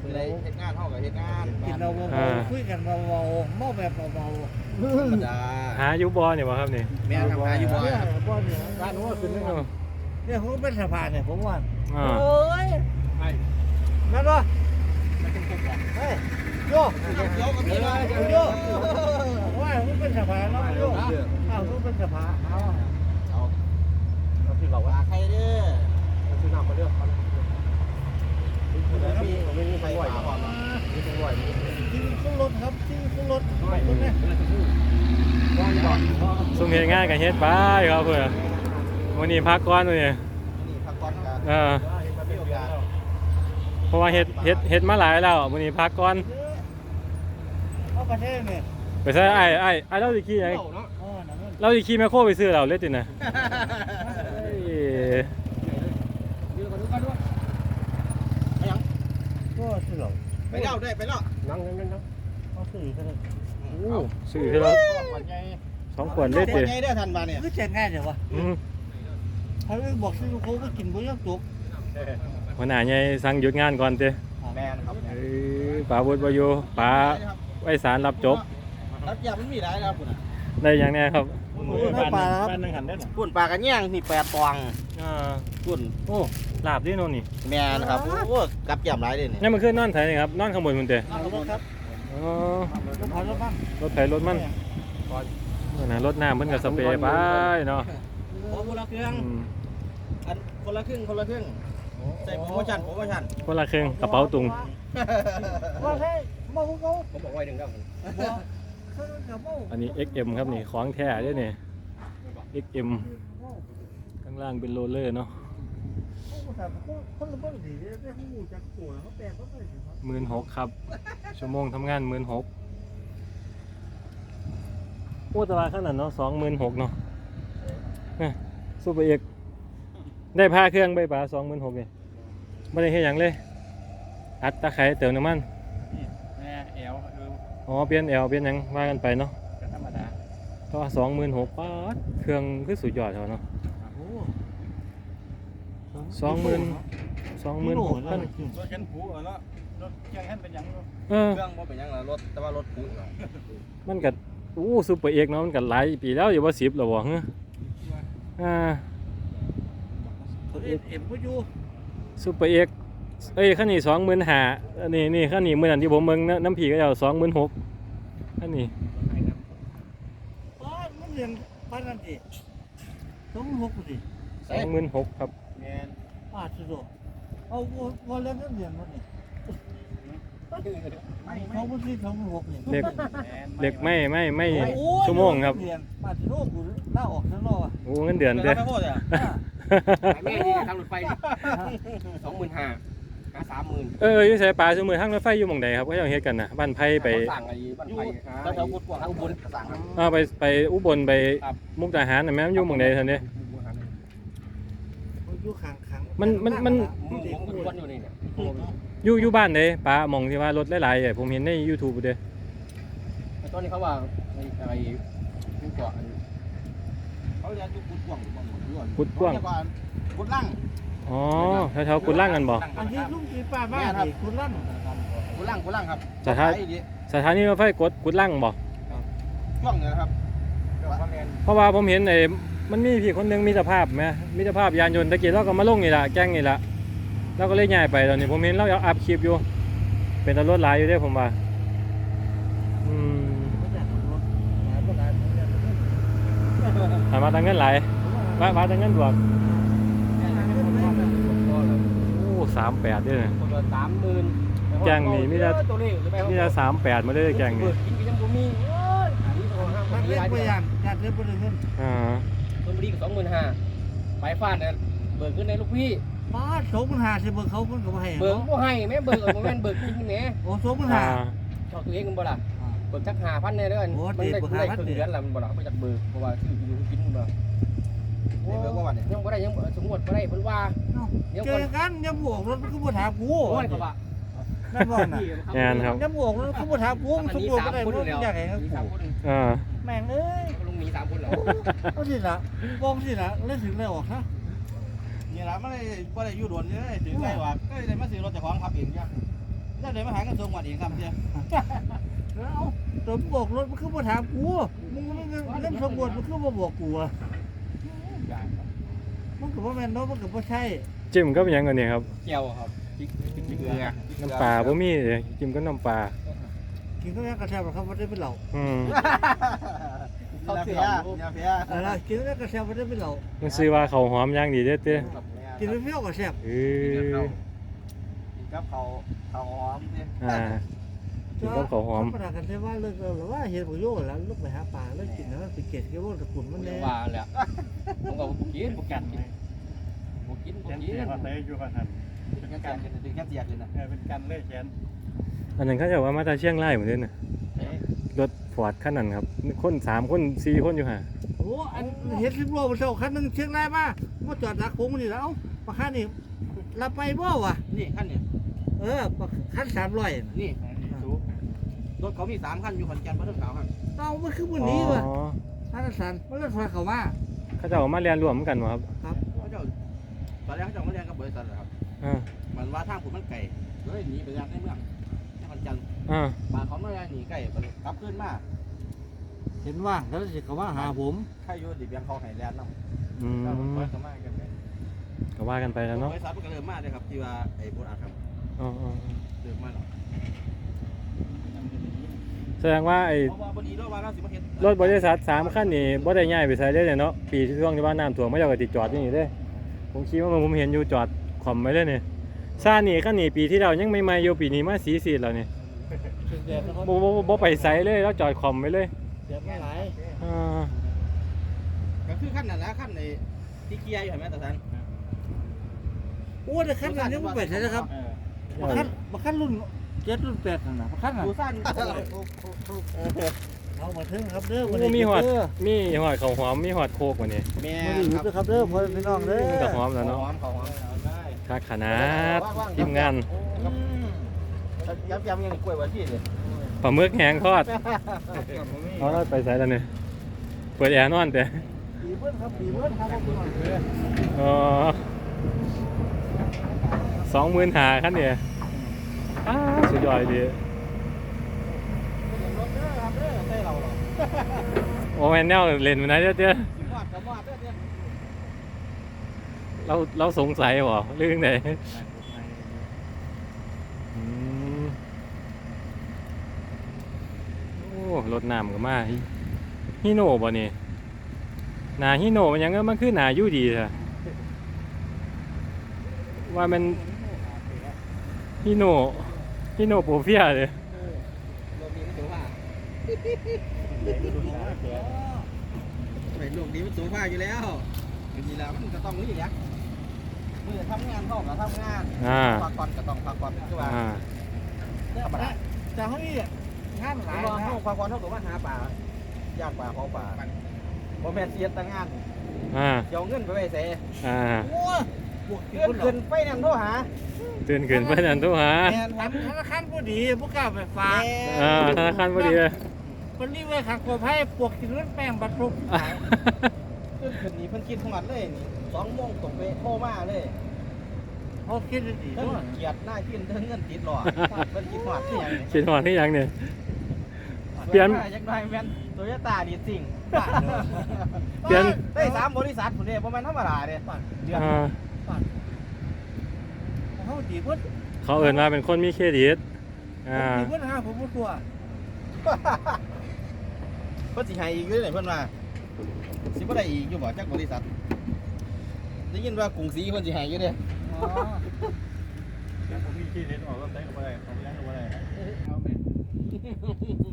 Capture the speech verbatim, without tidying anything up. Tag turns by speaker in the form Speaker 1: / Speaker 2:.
Speaker 1: คืออะไรเฮ็ดงานเท่ากับเฮ็ดงาน
Speaker 2: กินเราเบาๆคุยกันเบาๆเมาแบบเบา
Speaker 1: ธรรมดา
Speaker 3: หาอยู่บ่เนี่ยวะครับนี่
Speaker 1: แม่ทำงานอยู่
Speaker 2: ๆ
Speaker 1: บ่
Speaker 2: เนี่ยบ่เนี่ย
Speaker 1: ร้านนู้นขึ้นเลยครับ
Speaker 2: เนี่ยผมเป็นสะพานเนี่ยผมว่า
Speaker 3: อ่า
Speaker 2: โอ้ย
Speaker 1: ไอ้
Speaker 2: นั่นวะ
Speaker 1: มันเป็นกุ๊กหรอ
Speaker 2: เฮ้ยโย
Speaker 1: เดี๋ยวกับพี่นะ
Speaker 2: โยว่าผมเป็นสะพานเนาะโยอ้าวผมเป็นสะพานเอา
Speaker 1: เอาเอาพี่บอกว่าใครเด้อซื้อน้ำมาเลือกเขาแล้วมีไม่มีใครไหวก่อนมีใครไหวมี
Speaker 2: ที่มีเครื่องรถครับที่มีเครื่องรถตรงนี้
Speaker 1: ก่อนก่อน
Speaker 3: ซุ่มเฮ็ดงานกับเฮ็ดไปครับเพื่อนวันนี้พักก่อนมื้อนี้
Speaker 1: นี่พักก่อนกัน
Speaker 3: เออ
Speaker 1: มีโอกาส
Speaker 3: เพราะว่าเฮ็ดเฮ็ดเฮ็ดมาหลายแล้วมื้อนี้พักก่อน
Speaker 2: เอาประเทศเนี่ย
Speaker 3: ไปใส่ไอ้ไอ้ไอ้เราสิขี่หยัง
Speaker 1: เนาะ
Speaker 2: อ๋อนั่นมัน
Speaker 3: เราสิขี่แมคโครไปซื้อเราเลยตินะเอ้ย
Speaker 1: ยืนก่อนดูก่อนดูไปยัง
Speaker 2: ก็สิหรอ
Speaker 1: ไปเล่าได้ไปเล่านั่งนั่งนั่ง
Speaker 2: เขาซื้อกันเลย
Speaker 3: โอ้ซื้อให้เราสองขวดเลย
Speaker 1: ค
Speaker 3: ติ
Speaker 1: นใหญ่ได้ทันมาเนี่ย
Speaker 2: คือแจกง่ายเดี๋ยววะ
Speaker 3: อืม
Speaker 2: เขาบอกซื้อเขาก็กินบ่ยังจุก
Speaker 3: หัวหน้าใหญ่สั่งหยุดงานก่อนติ
Speaker 1: แม่ครับ
Speaker 3: เอ้ยป๋าบุญบ่อยู่ป๋าไว้สารรับจบ
Speaker 1: รับยามันมีหลายครับคุณ
Speaker 3: ได้หยังแน่ครับ
Speaker 2: น้ำปลาครับ
Speaker 3: บ้านนึงหันได้หรอ
Speaker 1: ปุ่นปลากันย่างนี่แปดตวง
Speaker 3: อ่า
Speaker 1: ปุ่น
Speaker 3: โอ้ลาบดิโน่นนี่
Speaker 1: แม่นะครับโอ้กับยำหลายเลยนี่
Speaker 3: นี่มันคือนอนไถนี่ครับนอนข้างบนมันเตะ
Speaker 2: เอารถครับ
Speaker 3: อ๋อ
Speaker 2: รถผ่านรถบ้าง
Speaker 3: รถไถรถมันนั่นนะรถน้ำเพิ่นก็สเปรย์ไปเนาะ
Speaker 1: โอ้คนละเครื่อง
Speaker 3: อืม
Speaker 1: อันคนละครึ่งคนละครึ่งใส่โปรโมชั่นโปรโมชั่น
Speaker 3: คนละครึ่งกระเป๋าตุง
Speaker 2: ว่าให้เมาเขา
Speaker 1: ผมบอกไว้หนึ่งครับ
Speaker 2: เขาจะเมา
Speaker 3: อันนี้ เอ็กซ์ เอ็ม ครับนี่ของแท้เด้อนี่ เอ็กซ์ เอ็ม ข้างล่างเป็นโรลเลอร์เนาะ
Speaker 2: คนละบ้านดีได้หูจากตัวเขาแปลงเขาไปสิครับ
Speaker 3: หมื่นหกครับ ชั่วโมงทำงานหมื่นหกโอ้แตว่าขนาดเนาะสองหมื่นหกเนาะเนี่ยซูเปอร์เอกได้พาเครื่องใบป่าสองหมื่นหกเนี่ยไม่ได้เฮ็ดหยังเลย อัดตะไคร้เติมน้ำมัน
Speaker 1: แม่เอลดู
Speaker 3: อ๋อเปลี่ยนแอลเปลี่ยนหยังว่ากันไปเนาะ
Speaker 1: กันธรรมดา
Speaker 3: ก็สองหมื่นหกป้าดเครื่องคือสุดยอดเขาเนาะสองหมื่นสองหมื่นหกพัน
Speaker 1: รถกันผูเนาะรถเครื่องให้เป็นยัง
Speaker 3: เออ
Speaker 1: เครื่องว่าเป็นยังรถแต่ว่ารถผูเนาะ
Speaker 3: มันกัอู้ซูเปอร์เอกเนาะมันกัหลายปีแล้วอยู่ว่าสิบหรอวะเฮ้ยอ่า
Speaker 2: เอ็มเอ็มก็อยู่
Speaker 3: ซูเปอร์เอกเอ้ยขั้นนี้สองหมื่นห้าอันนี้นี่ขั้นนี้เมื่อนั้นที่ผมเบิ่งน้ำผีก็เอาสองหมื่นหกขั้นนี้
Speaker 2: ป้ามันเรียนป้านั่นสิต้องหกสิ
Speaker 3: สองหมื่นหกครับ
Speaker 1: แม่
Speaker 2: ป้าสุดเอาวันเล่นนั่นเรียนมันนี่เขาไม่ใช่สองหกนี่
Speaker 3: เด็กเด็กไม่ไม่ไม่ชั่วโมงครับ
Speaker 2: เรียนป้าสุดกูหน้าออกข้างนอกอ่ะ
Speaker 3: โอ้เงินเดือนเด้อ
Speaker 1: ไม่โคตรอ่ะแม่ที่ทางรถไฟสองหมื่นห้าหาสามหมื่น
Speaker 3: เอออยู่ใส่ปลาสมือทางรถไฟอยู่หม่องใดครับก็ยังเฮ็ดกันนะบ้านไผ่ไป
Speaker 1: สั่งอะไรบ้านไผ่แล้วแถวกุดกวางอุบลสั่งครับ
Speaker 3: อ่าไปไปอุบลไปมุกดาหารน่ะแม่นอยู่หม่องใดท่านเด้
Speaker 2: อยู่ข้างข้าง
Speaker 1: มึงผมอุบลอยู่นี่เนี่ย
Speaker 3: อยู่อยู่บ้านใดปลาหม่องที่ว่ารถหลายๆอ่ะผมเห็นใน YouTube เด้
Speaker 1: ตอนนี้เขาว่าอะไรที่เกาะเขาเรียกอยู่กุดกวาง
Speaker 3: กุดกว้าง
Speaker 1: กุดลั่ง
Speaker 3: อ๋อแถวๆกุดล่างกันบ่
Speaker 2: อันที่ลุงกีป้าบ้านนี่คุณลั่น
Speaker 1: กุดลั่งกุดลั่งครับ
Speaker 3: สถานีรถไฟกดกุดล่างบ่
Speaker 1: ช่วงนี้นะครับ
Speaker 3: เพราะว่าผมเห็นไอ้มันมีพี่คนหนึงมีสภาพไหมมีสภาพยานยนต์ตะกี้เราก็มาลงนี่ล่ะแก๊งนี่ล่ะเราก็เลยย้ายไปตอนนี้ผมเห็นเราเอาอัพคลิปอยู่เป็นตำรวจหลายอยู่เด้ผมว่าอืมถามมาทางเงินหลายว่าว่าทางเงินบวกโอ้สามแปดด้วยนะ
Speaker 1: คนละสามหมื่น
Speaker 3: แก๊งนี่มีแต่มีแต่สามแปดมาเลยแก๊งนี่
Speaker 1: กินก็ยังบ่มีเอ้ยอันนี้ตัวห้า
Speaker 2: มัน
Speaker 1: มี
Speaker 2: เล่น
Speaker 1: หลาย
Speaker 2: ไป
Speaker 1: ตัว
Speaker 2: อย่างการเล่นไปเงิน
Speaker 3: อ่า
Speaker 1: ชลบุรีก็สองหมื่นห้าไปฟาดเนี่ยเบิกขึ้นในลูกพี่
Speaker 2: ป้าสองพันห้าสิบเบิกเขาคนก็ให้
Speaker 1: เบิกบ่ให้แม่เบิกเอาบ่แม่นเบิกจริงแหม
Speaker 2: โอ้สองพัน
Speaker 3: อ่า
Speaker 2: ห้า
Speaker 1: ชอบตัวเองกันบ่ล่ะเบิกจักห้าพันแน่เด้อมันได้มันได้ครึ่งเดือนละมันบ่ล่ะเขาจักเบิกเพราะว่าชื่ออยู่กินบ่โอ้เบิกว่าวันนี้ยังบ่ได้ยังสมมุติบ่ได้เพิ่นว่า
Speaker 2: เจอกันยังบวกรถก็บ่ถามกู
Speaker 1: โอ้ยก็ว่า
Speaker 2: นั่นบ่น่ะ
Speaker 3: งานครับ
Speaker 2: ยังบวกรถก็บ่ถามกูสมบูรณ์บ่ได้บ่อยากให้กู
Speaker 3: อ่า
Speaker 2: แม่งเอ้ย
Speaker 1: ลุงมีสามคนเหรอ
Speaker 2: เอาสิล่ะวงสิล่ะเล่นถึงได้ออกฮะ
Speaker 1: นี่ล่ะมันได้บ่ได้อยู่โดนเลยถึงได้ว่าก็ได้มาซื้อรถเจ้าของขับเองจ้ะ
Speaker 2: นแล้วเดี๋ยวมาหากันส่งวันอีกคำเดียวแล้วตัวบวกรถมันคือมาถามกูมึงไม่เล่นสมบูรณ์มันคือมาบอกกูอ่ะมันกับว่าแมนเนาะมันกับว่าใช่
Speaker 3: จิ้มก็เป็นหยังกันเนี่ยครับ
Speaker 1: เจียวครับพริกพริกเกลือ
Speaker 3: น้ำปลาบ่มีเลยจิ้มก็น้ำปลา
Speaker 2: กินก็ยังกระแทกหรอกครับว่าได้เป็นเหล่า
Speaker 3: อืม
Speaker 1: เขาเสียยาเพีย
Speaker 2: อะไรกินก็ยังกระแทกว่าได้เป็นเหล่า
Speaker 3: มันซื้อว่าเขาวหอมอย่างดีเด้อเต้
Speaker 2: กินไม่เปรี้ยวกระแทก
Speaker 3: เอ
Speaker 1: กิน
Speaker 3: อ
Speaker 1: กับเขาเขาหอมเนี่ย
Speaker 3: อ่ากินกับข้าวหอม
Speaker 2: ประดากันใช่ว่าเลิกหรือว่าเห็นประโยชน์แล้วลูกไปหาปลาแล้วกินแล้วไปเก็บกี่ว่าตะกุ่นมันแน่
Speaker 1: ว่าแหละผมก็บุกินบุกันบุกินบุ
Speaker 4: แขน
Speaker 1: กิ
Speaker 4: เสีย
Speaker 1: น
Speaker 4: เขาใส่อยู่กันหัน
Speaker 1: ดึงแค่เสียกันดึงแค่เสียกันนะ
Speaker 4: เออเป็นกันเลยแขน
Speaker 3: อันนั้นเขาจะว่ามาจากเชียงรายเหมือนเดิมน่ะรถฟอร์ดคันนั้นครับคนสามคนสี่คนอยู่ห่า
Speaker 2: โอ้อันเห็นสิบโลมันเท่าคันนึงเชียงรายมามาจอดดักโค้งนี่แล้วปลาคันนี่เราไปบ่วะ
Speaker 1: นี่ขั้นนี่
Speaker 2: เออคันสามร้อย
Speaker 1: นี่รถเขามีสามขั้นอยู่ขอนแก่นพระเจ้าขาวครับ
Speaker 2: เอามันคือวันนี้วะ
Speaker 3: อ๋อ
Speaker 2: คันสันมันรถไฟเขามา
Speaker 3: เขาจะเอามาเรียนรวมกันวะครับ
Speaker 1: เขาเจ้าตอนแรกเขาเจ้ามาเรียนกับบริษัทครับ
Speaker 3: อ่า
Speaker 1: มันว่าทางผมมันไก่เลยหนีไปยังในเมืองที่ขอนแก่น
Speaker 3: อ่า
Speaker 1: มาเขาไม่ได้หนีไก่กลับขึ้นมา
Speaker 2: เห็นว่างแล้วสิเขามาหาผม
Speaker 1: ใครอยู่ดิบยังเขาไห้แลนด์น้ำ
Speaker 3: อืม
Speaker 1: ก็ผมก็มากันไป
Speaker 3: ก็ว่ากันไปแล้วเนาะ
Speaker 1: บริษัทมันก็เริ่มมาเลยครับที่ว่าไอ้โบราณครับ
Speaker 3: อ๋ออ๋ออ๋อ
Speaker 1: เริ่มมาแล้ว
Speaker 3: แสดงว่าไอ้
Speaker 1: เพราะว่าบดีรถว่าเราสิมาเห็น
Speaker 3: รถบริษัทสามคันนี่บ่ได้ย้ายไปใส่ได้เลยเนาะปีที่ช่วงที่ว่าน้ำท่วมไม่เจ้าก็ติดจอดอยู่นี่เด้ผมคิดว่าผมเห็นอยู่จอดขอมไว้เลยนี่ซ่านี่คันนี้ปีที่เรายังไม่มาอยู่ปีนี้มาสีสีแล้วนี่
Speaker 2: เดือดนะครับ
Speaker 3: บ่บ่บ่บ่ไปใส่เลยแล้วจอดขอมไว้เลย
Speaker 2: เดือดไม่หลาย
Speaker 3: อ่า
Speaker 1: ก็คือขั้นนั้นนะขั้นในที่เกียร์อยู่เห็นไหมตาสัน
Speaker 2: โอ้แต่คันนั้นยังไม่ไปใช่นะครับ
Speaker 4: เออ
Speaker 2: มาคันมาคันรุ่นเจ็ดรุ่นแปดนั่นนะมาคันน่ะ
Speaker 1: ดูสั้น
Speaker 2: เอามาถึงครับเด้อ
Speaker 3: โอ้มีหอดมีหอดข้าวหอมมีหอดโคกว่านี่
Speaker 1: แม่
Speaker 2: มาดีอยู่ด้วยครับเด้อพ่อพี่น้องเด้อ
Speaker 3: มันก็หอมแล้วเนาะ
Speaker 1: หอมเขาหอมได้
Speaker 3: คักขนาดทีมงาน
Speaker 1: ย้ำย้ำยังกล้วยวันที่เลย
Speaker 3: ปลาหมึกแห้งทอดเอาแล้วไปใส่แล้วนี่เปิดแอร์นอนแต่
Speaker 2: ปีเบิ้ลครับปีเบิ้ลครับพ่อพี่น้องเด้อ
Speaker 3: อ๋อสองหมื่นหาคันเนี่ยอ้าสุดยอดดี
Speaker 1: รถเด้อครับเด้อใช่เราหรอ
Speaker 3: โอ้แมนแนวเล่นมันไหนเด้อเด้อ
Speaker 1: สิมอดกับมอดเด้อเด้อ
Speaker 3: เราเราสงสัยบ่เรื่องไหนอืมโอ้รถน้ำก็มาฮิโน่บ่นี่หนาฮิโน่มันยังก็มันคือหนาอยู่ดีเถอะว่ามันฮิโน่ฮิโน่โปรเฟียเลย
Speaker 1: รถนี้มันสูงผ้าไอ้ลูกนี้มันสูงผ้าอยู่แล้วจริงๆแล้วมันก็ต้องนี่อย่างมือทำงานเข้ากับทำงาน
Speaker 3: อ่า
Speaker 1: พักผ่อนก็ต้องพักผ่อนคือว่า
Speaker 3: อ่า
Speaker 1: ธรรมดา
Speaker 2: จะให้งานหลาย
Speaker 1: รอ
Speaker 2: นะ
Speaker 1: เข้าพักผ่อนเท่ากับว่าหาป่าย่างป่าเผาป่าบ่แม่นเสียแต่งาน
Speaker 3: อ่า
Speaker 1: เดี๋ยวเงินไปไว้เส
Speaker 3: อ่า
Speaker 2: โอ้ยบวก
Speaker 1: เงินขึ้นไปนั่นโทรหา
Speaker 3: ตื่นขึ้นเพื่อนทุกหา
Speaker 1: แม่น
Speaker 2: อันธนาคารผู้ดีผู้กล้าไปฝาก
Speaker 3: อ่าธนาคารพอดีเลย
Speaker 2: วันนี้ไว้ขังกบให้ปวกกินเลือดแป้งบัตรทุก
Speaker 1: ขึ้นขึ้นนี่เพิ่นคิดหอดเลยนี่สองโมงตกไปโทรมาเลย
Speaker 2: เขาคิดดี
Speaker 1: เพิ่น
Speaker 2: ด้วย
Speaker 1: เกียดหน้ากินเพิ่นเงินติดหลอดเพิ่นคิดหอดที่หยังนี่
Speaker 3: คิดหอดที่ยังเนี่ย เปลี่ยน
Speaker 1: จักหน่อยแม่นโตโยต้าดีสิ่ง
Speaker 3: เปลี่ยน
Speaker 1: ได้สามบริษัทพุ่นเด้บ่แม่นธรรมดาเด้เดือน
Speaker 3: อ่า
Speaker 2: เขาดีเพิ่น
Speaker 3: เขาเอ่นมาเป็นคนมีเครดิตอ่า
Speaker 2: ดีเพิ่นหาผมบ่ตัว
Speaker 1: เพิ่นสิให้อีกอยู่เด้เพิ่นว่าสิบ่ได้อีกอยู่บ่จักบริษัทได้ยินว่ากรุงศรีเพิ่นสิให้อยู่เด้
Speaker 2: อ๋อ
Speaker 4: แล้วผมมีขี้เล่นออกก็ใส่กับอะไรออกยังกับอะไร
Speaker 2: เอาแม่